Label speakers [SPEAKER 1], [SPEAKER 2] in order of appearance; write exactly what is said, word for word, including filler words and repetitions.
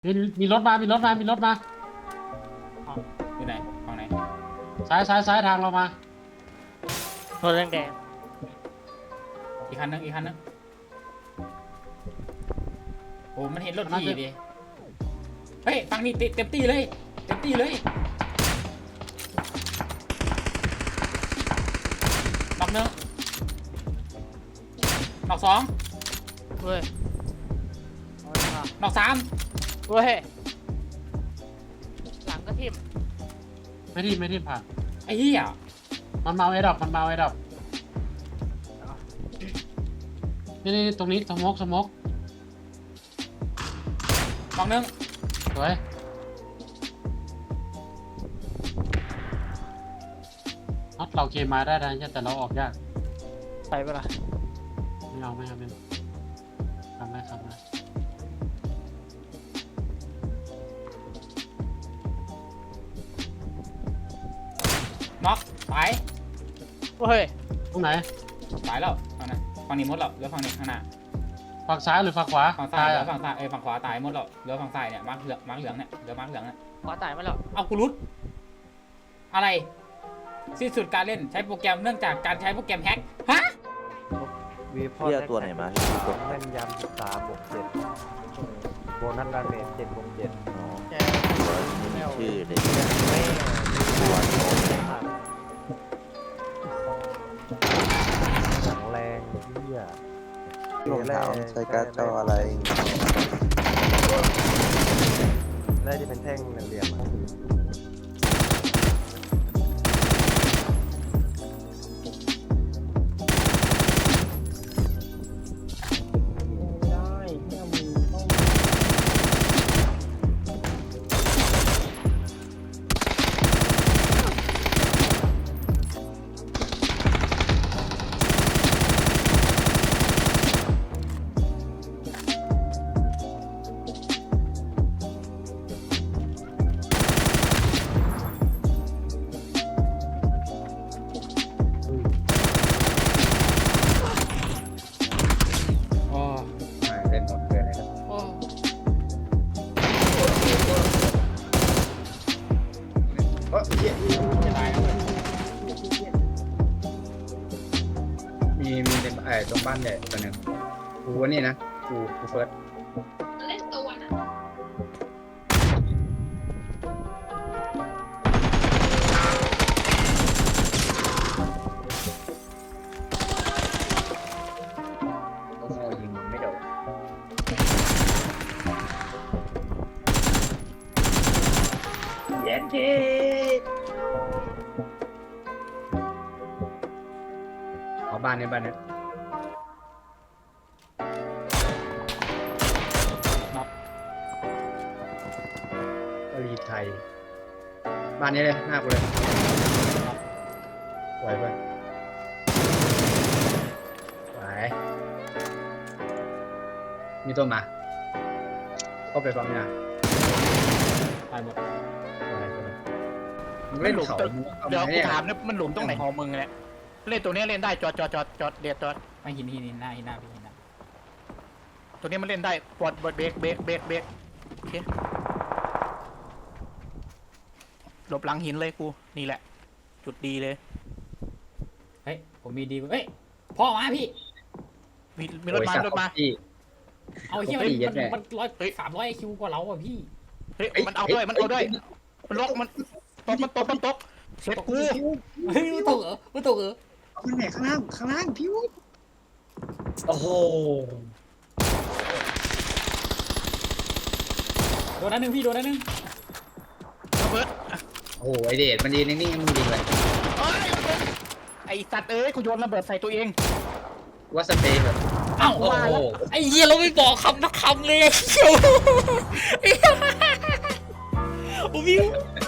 [SPEAKER 1] มีมีรถมามีรถมามีรถมา
[SPEAKER 2] อยู่ไหนฝั่งไหน
[SPEAKER 1] ซ้ายซ้ายซ้ายทางเรามาร
[SPEAKER 3] ถแดงแดง
[SPEAKER 2] อีกคันนึงอีกคันนึงโอ้มันเห็นรถพี่ดิเฮ้ยฝั่งนี้เต็มตีเลยเต็มตีเลยนอกหนึ่งนอกสอง
[SPEAKER 3] เว้ย
[SPEAKER 2] นอกสาม
[SPEAKER 3] เว้ยหลังก็ทิ่ม
[SPEAKER 1] ไม่ที่ไม่ที่ผ่าน
[SPEAKER 2] ไอ้เหี้ย
[SPEAKER 1] มันมาไอ้ดอกมันมาไอ้ดอกนี่นี่ตรงนี้สมกสมก
[SPEAKER 2] นอกหนึ่ง
[SPEAKER 1] สวยน็อตเราเคมาได้นะแต่เราออกยาก
[SPEAKER 3] ไปปะล่ะ
[SPEAKER 1] ไม่เอาไม่เอาไม่เอาทำได้ทำได้
[SPEAKER 2] นอกตาย
[SPEAKER 3] เว้ย
[SPEAKER 1] ตรงไหน
[SPEAKER 2] ตายแล้วฝั่งนั้นฝั่งนี้หมดแล้วเหลือฝั่งนี้ข้างหน้า
[SPEAKER 1] ฝั่งซ้ายหรือฝั่งขวา
[SPEAKER 2] ฝั่งซ้ายเหลือ
[SPEAKER 1] อ่ะ
[SPEAKER 2] ฝั่งซ้ายเอ้ยฝั่งขวาตายหมดแล้วเหลือฝั่งซ้ายเนี่ยมาร์คเหลืองมาร์คเหลืองเนี่ยเหลือมาร์คเหลืองเนี่ย
[SPEAKER 3] ขวาตายมาแล้ว
[SPEAKER 2] เอากูรุดอะไรสิ้นสุดการเล่นใช้โปรแกรมเนื่องจากการใช้โปรแกรมแฮกฮะ
[SPEAKER 4] วีพอ
[SPEAKER 5] พี่เอาตัวไหนมาพี่ตัว
[SPEAKER 4] แม่นยำสิบสามบวกเจ็ดโบนัสดาเมจเจ็ดบวกเจ็ด
[SPEAKER 5] อ๋อ
[SPEAKER 3] แก
[SPEAKER 5] ตัวไม่มีชื่อเลย
[SPEAKER 4] ไม่
[SPEAKER 5] ตัวโตเลย
[SPEAKER 4] หนังแรงเที่ย
[SPEAKER 5] รองเท้าใช้การ์ดจออะไร
[SPEAKER 4] ได้ที่เป็นแท่งเหลี่ยมๆอะ
[SPEAKER 2] โอ้
[SPEAKER 4] เล่นหมดเกินเลยครับ
[SPEAKER 2] โอ้
[SPEAKER 4] เออเหี้ย
[SPEAKER 2] จะตายแล้วเว้ย
[SPEAKER 6] มีมีในไอ้ตรงบ้านใหญ่ตัวหนึ่งกูว่านี่นะกูกูเฟิร์ส
[SPEAKER 7] เล่นตัวนะ
[SPEAKER 6] โอ้โหยิงไม่โดนเย็นทีเอาบ้านในบ้านเนี้ย
[SPEAKER 2] น็อก
[SPEAKER 6] ก็รีไทย บ้านนี้เลยหน้ากูเลยไหวปะไหวมีตัวมาเข้าไปปั๊มยา
[SPEAKER 2] ตายหมด
[SPEAKER 6] ไหวปะมึง
[SPEAKER 3] ไม่
[SPEAKER 6] เล่น
[SPEAKER 3] หลุม
[SPEAKER 6] เขา
[SPEAKER 3] ตัว
[SPEAKER 6] มึงเอา
[SPEAKER 3] เดี๋ยว
[SPEAKER 6] ไหม
[SPEAKER 3] กู
[SPEAKER 6] เนี่ย
[SPEAKER 3] ถามเนี่ยมันหลุมตรงไหนของมึงเนี่ยเล่นตัวนี้เล่นได้จอดจอดจอดจอดเดียดจอด
[SPEAKER 2] ไม่หินหินหินหน้าหินหน้าพี่หินหน้า
[SPEAKER 3] ตัวนี้มันเล่นได้ปลดเบรกเบรกเบรกเบรกเบรกโอเคหลบหลังหินเลยกูนี่แหละ จุดดีเลย
[SPEAKER 2] เฮ้ยผมมีดีเฮ้ยพ่อมาพี่
[SPEAKER 3] มีมีรถมา
[SPEAKER 6] โอ้ย
[SPEAKER 3] รถมา
[SPEAKER 6] พี่
[SPEAKER 2] เอาเฮีย
[SPEAKER 6] โอ้
[SPEAKER 2] มัน
[SPEAKER 6] ยเย็ด
[SPEAKER 2] มัน
[SPEAKER 6] แม่
[SPEAKER 2] มันร้อยสามร้อยคิวกว่าเราอ่ะพี่
[SPEAKER 3] เฮ้ยมันเอาด้วยมันเอาด้วยมันล็อกมันตกมันตกมันตกเสร็จกู
[SPEAKER 2] เฮ้ยมันตกเหรอมันตกเหรอ
[SPEAKER 6] เอาขึ้นไหนข้างล่างข้างล่างพี่วุฒิโอ้โห
[SPEAKER 2] โดนนั้นหนึ่งพี่โดนนั้นหนึ่ง
[SPEAKER 3] ระเบิด
[SPEAKER 6] โอ้โหไอเดชมันยืนนิ่งๆมึงยิงเลย
[SPEAKER 3] เอ้ยไอสัตว์เอ้ยกูโยนระเบิดใส่ตัวเอง
[SPEAKER 6] ว่าสเปรย์แบบ
[SPEAKER 2] เอ้า
[SPEAKER 6] โอ้โห
[SPEAKER 2] ไอ้เหี้ยเราไม่บอกคำนักคำเลยไอ้เหี้ยโอ้พี่